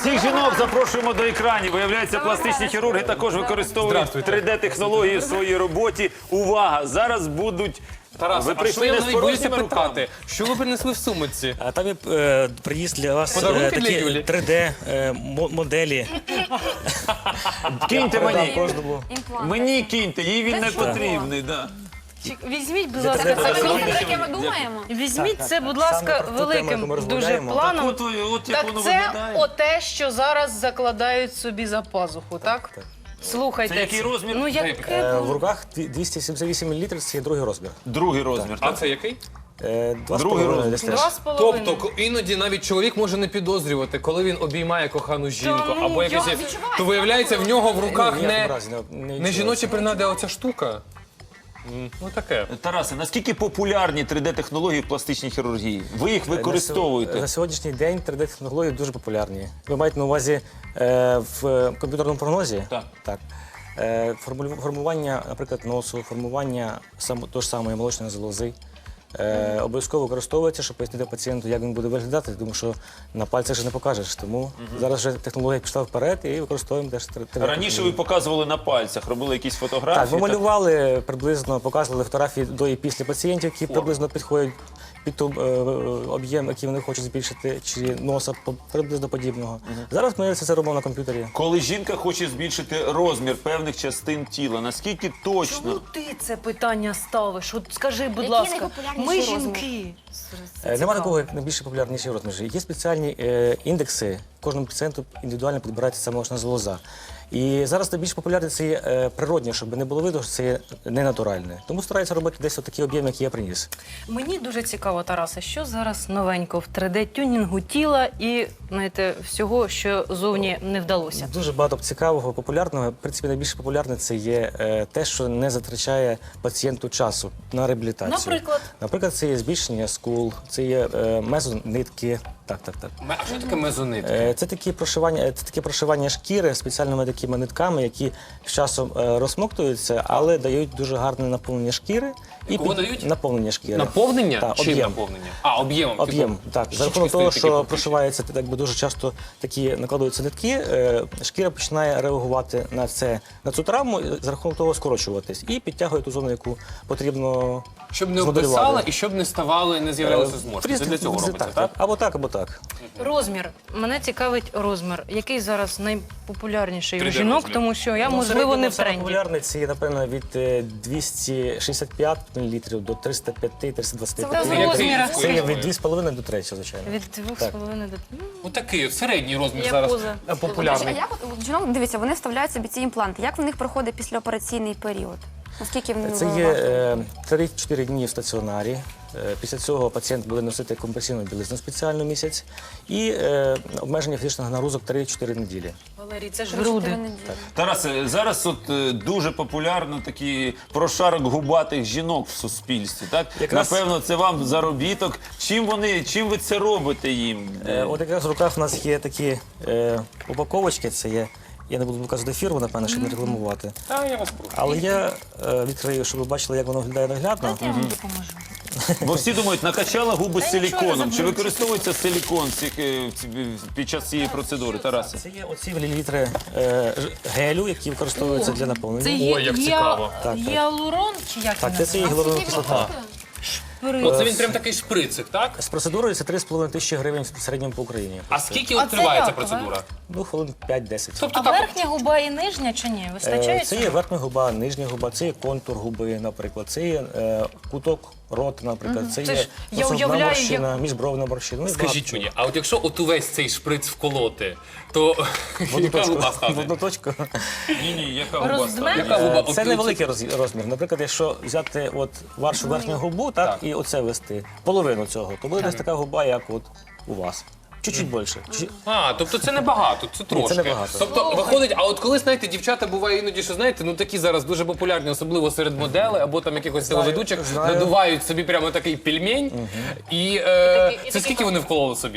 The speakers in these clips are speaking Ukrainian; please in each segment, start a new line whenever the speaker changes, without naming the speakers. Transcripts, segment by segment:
Всіх жінок запрошуємо до екранів. Виявляється, пластичні хірурги також використовують 3D-технології в своїй роботі. Увага! Зараз будуть...
Тарас,
Ви
а що
прийшли
я
не з
боюся
порожніми руками.
питати? Що ви принесли в сумочці?
А там є приніс для вас
Подарунки для
такі
Юлі?
3D-моделі.
Киньте мені.
Кожному.
Мені киньте, їй він не потрібний. Да.
Візьміть, будь ласка,
Це
це
зробити,
про
Про яке ми думаємо?
Візьміть це, будь
Саме
ласка,
про ту тему, яку ми
великим дуже
розмовляємо.
планом.
От як
Так
воно
це
виглядає.
оте, що зараз закладають собі за пазуху, так? Слухайте.
Це який розмір?
Ну, яке
В руках 278 мл, це є другий розмір.
Другий розмір.
А
Так?
це який?
Другий розмір.
Десь теж.
2,5.
Тобто іноді навіть чоловік може не підозрювати, коли він обіймає кохану жінку,
ну,
або
я
якось,
відчуваю,
то виявляється в нього в руках
Ніякому
не,
разі не
не
відчувається.
жіночі принади, а оця штука. Ну таке.
Тарасе, наскільки популярні 3D-технології в пластичній хірургії? Ви їх використовуєте?
На сьогоднішній день 3D-технології дуже популярні. Ви маєте на увазі в комп'ютерному прогнозі?
Так.
Так. Формування, наприклад, носу, формування того ж самої молочної залози. Обов'язково використовується, щоб пояснити пацієнту, як він буде виглядати, тому що на пальцях же не покажеш. Тому зараз вже технологія пішла вперед і використовуємо теж 3D.
Раніше ви показували на пальцях, робили якісь
Так,
фотографії.
ми малювали приблизно, показували фотографії до і після пацієнтів, які приблизно підходять під той об'єм, який вони хочуть збільшити, чи носа приблизно подібного. Зараз ми це робимо на комп'ютері.
Коли жінка хоче збільшити розмір певних частин тіла, наскільки точно?
Чому ти це питання ставиш? От скажи, будь
Які
ласка,
найпопулярніші
ми
розміри?
жінки.
Нема такого, як найбільше популярніші розміри. Є спеціальні індекси, кожному пацієнту індивідуально підбирається ця молочна залоза. І зараз найбільш популярне це є природнє, щоб не було видно, що це є ненатуральне. Тому стараються робити десь такий об'єм, який я приніс.
Мені дуже цікаво, Тарасе, що зараз новенько в 3D-тюнінгу тіла і, знаєте, всього, що зовні не вдалося.
Дуже багато цікавого, популярного. В принципі, найбільш популярне це є те, що не затрачає пацієнту часу на реабілітацію.
Наприклад?
Наприклад, це є збільшення скул, це є мезонитки. Так.
А що таке мезонит?
Це таке прошивання шкіри спеціальними такими нитками, які з часом розсмоктуються, але дають дуже гарне наповнення шкіри.
Кого дають?
Наповнення шкіри.
Наповнення?
Так,
Чим
об'єм.
наповнення? А, об'ємом.
Об'єм, так. За рахунок того, що прошивається, дуже часто такі накладуються нитки, шкіра починає реагувати на цю травму, за рахунок того скорочуватись і підтягує ту зону, яку потрібно
Щоб не
змоделювати.
обвисала і щоб не ставали, не з'являлися зморшки. Це для цього робиться, так?
Або так.
Розмір. Мене цікавить розмір. Який зараз найпопулярніший у
3D
жінок,
розмір.
тому що я, можливо, не в тренді.
Популярний це є, напевно, від 265 мл до 305-325
Це в
мл.
розмірах.
Це є від 2,5 до 3, звичайно.
Від 2,5 до...
Отакий середній розмір
Я
зараз
поза.
А
популярний.
як от жінок, дивіться, вони вставляють собі ці імпланти. Як в них проходить післяопераційний період? Наскільки вони
Це є 3-4 дні в стаціонарі. Після цього пацієнт буде носити компресійну білизну спеціальну місяць і обмеження фізичних нагрузок 3-4 неділі.
Валерій, це ж груди.
Тарасе, зараз дуже популярно такий прошарок губатих жінок в суспільстві, так?
Якраз-
Напевно, це вам заробіток. Чим ви це робите їм?
От якраз в руках в нас є такі упаковочки, це є, я не буду показувати фірму, напевно, щоб не рекламувати.
Та я вас прошу.
Але я відкрию, щоб ви бачили, як воно виглядає наглядно.
Я вам допоможу.
Бо всі думають, накачала губи
Та нічого, не
силіконом. Чи
забудьте.
використовується силікон під час цієї процедури, Тарасе?
Це є оці мілілітри гелю, які використовуються для
Це
наповнення.
є,
як цікаво.
Так.
гіалурон, чи як
Так,
він
це є гіалуронова кислота.
Оце він прям такий шприцик, так?
З процедурою це 3,5 тисячі гривень в середньому по Україні.
А скільки
А
от
це
триває ця
як,
процедура?
Ну, хвилин 5-10.
Тобто
А
так,
верхня губа і нижня чи ні? Вистачає
Це є
цього?
верхня губа, нижня губа, це є контур губи, наприклад, це є куток рота, наприклад, це
Це
є
ж я
носогубна
уявляю,
морщина, міжбровна морщина. Ну, і
скажіть
багато
мені, а от якщо от увесь цей шприц вколоти, то
чого.
яка губа
В одну
стане?
точку.
Ні, яка губа
Роздме?
стане?
Яка губа?
Це
От
невеликий розмір. Наприклад, якщо взяти от вашу верхню губу, так, і оце вести, половину цього, то буде десь така губа, як от у вас. Чуть-чуть більше.
А, тобто це небагато, це трошки.
небагато.
Тобто виходить, а от коли, знаєте, дівчата буває іноді, що знаєте, ну такі зараз дуже популярні, особливо серед моделей або там якихось телеведучих,
знаю.
надувають собі прямо такий пельмень. І це скільки вони вкололи собі?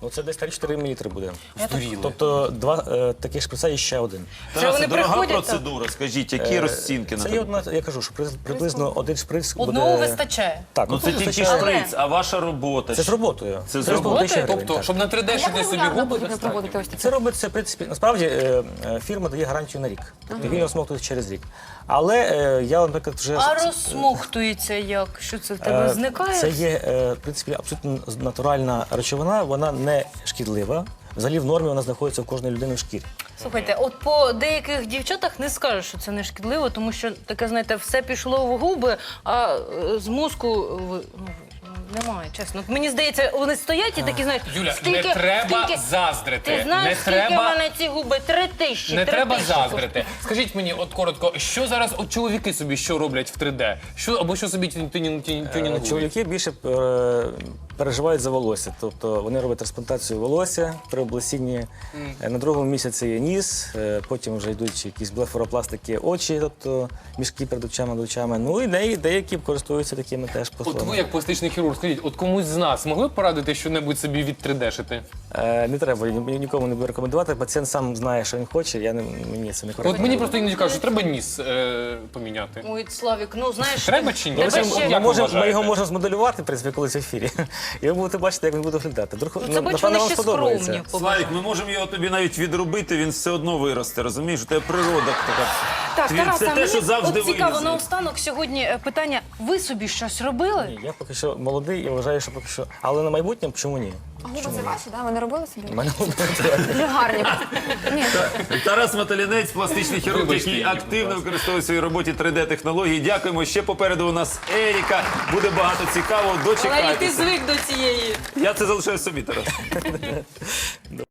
Ну, це десь 3-4 мл буде.
Здуріли.
Тобто два таких шприца і ще один.
Тарасе,
вони
дорога
приходять,
процедура. Скажіть, які розцінки на
Це є
тебе?
одна, я кажу, що приблизно один шприц буде...
Одного вистачає.
Так,
Ну це
одного
тільки
вистачає.
шприц, а ваша робота.
Це з роботою.
Це з
3,5
роботою?
тисячі гривень,
Тобто,
так.
щоб на 3D
Як
шити собі
регулярно
губи,
потрібно проводити ось такі?
Це робиться, в принципі, насправді фірма дає гарантію на рік. Тобто він осмоктує через рік. Але я, наприклад, вже...
А розсмоктується як? Що це в тебе зникає?
Це є, в принципі, абсолютно натуральна речовина, вона не шкідлива. Взагалі в нормі вона знаходиться в кожної людини в шкірі.
Слухайте, от по деяких дівчатах не скажеш, що це не шкідливо, тому що таке, знаєте, все пішло в губи, а з мозку немає, чесно. От мені здається, вони стоять і такі, знаєш,
Юля, не треба заздрити.
Ти знаєш,
Не
скільки в
треба-
мене ці губи? 3000.
Не
3000.
треба заздрити. Скажіть мені, от коротко, що зараз от чоловіки собі що роблять в 3D? Що або що собі тюнінгують?
Чоловіки більше переживають за волосся. Тобто вони роблять трансплантацію волосся при облесінні. На другому місяці є ніс, потім вже йдуть якісь блефоропластики очі, тобто мішки перед очами. Ну і деякі користуються такими теж
От
послугами.
ви, як пластичний хірург, скажіть, от комусь з нас могли б порадити що-небудь собі від 3D-шити?
Не треба, нікому не буду рекомендувати. Пацієнт сам знає, що він хоче, мені це не
От
корисно.
мені просто іноді кажуть, що треба ніс поміняти.
Ой, Славік, ну знаєш,
Треба чи ні?
тебе
Це
ще-
як
Ми,
ви вважаєте?
його можемо змоделювати, в принципі, колись в ефірі. І ви будете бачити, як він буде виглядати.
Ну, це бач, вони ще скромні.
Славік, ми можемо його тобі навіть відробити, він все одно виросте, розумієш? У тебе природа така.
Так, Тарас,
Це
а
те, що
мені
завжди
от цікаво,
вилізе.
наостанок сьогодні питання, ви собі щось робили?
Ні, я поки що молодий і вважаю, що поки що. Але на майбутнє чому ні?
А губи це ваші, да? Ви не робили собі?
У мене
Дуже гарні. Ні,
Тарас Маталінець, пластичний хірург,
Вибачте,
який
Ігор,
активно
будь
використовує в своїй роботі 3D-технології. Дякуємо. Ще попереду у нас Еріка. Буде багато цікавого.
Валерій, ти
Дочекайтеся.
звик до цієї.
Я це залишаю собі, Тарас.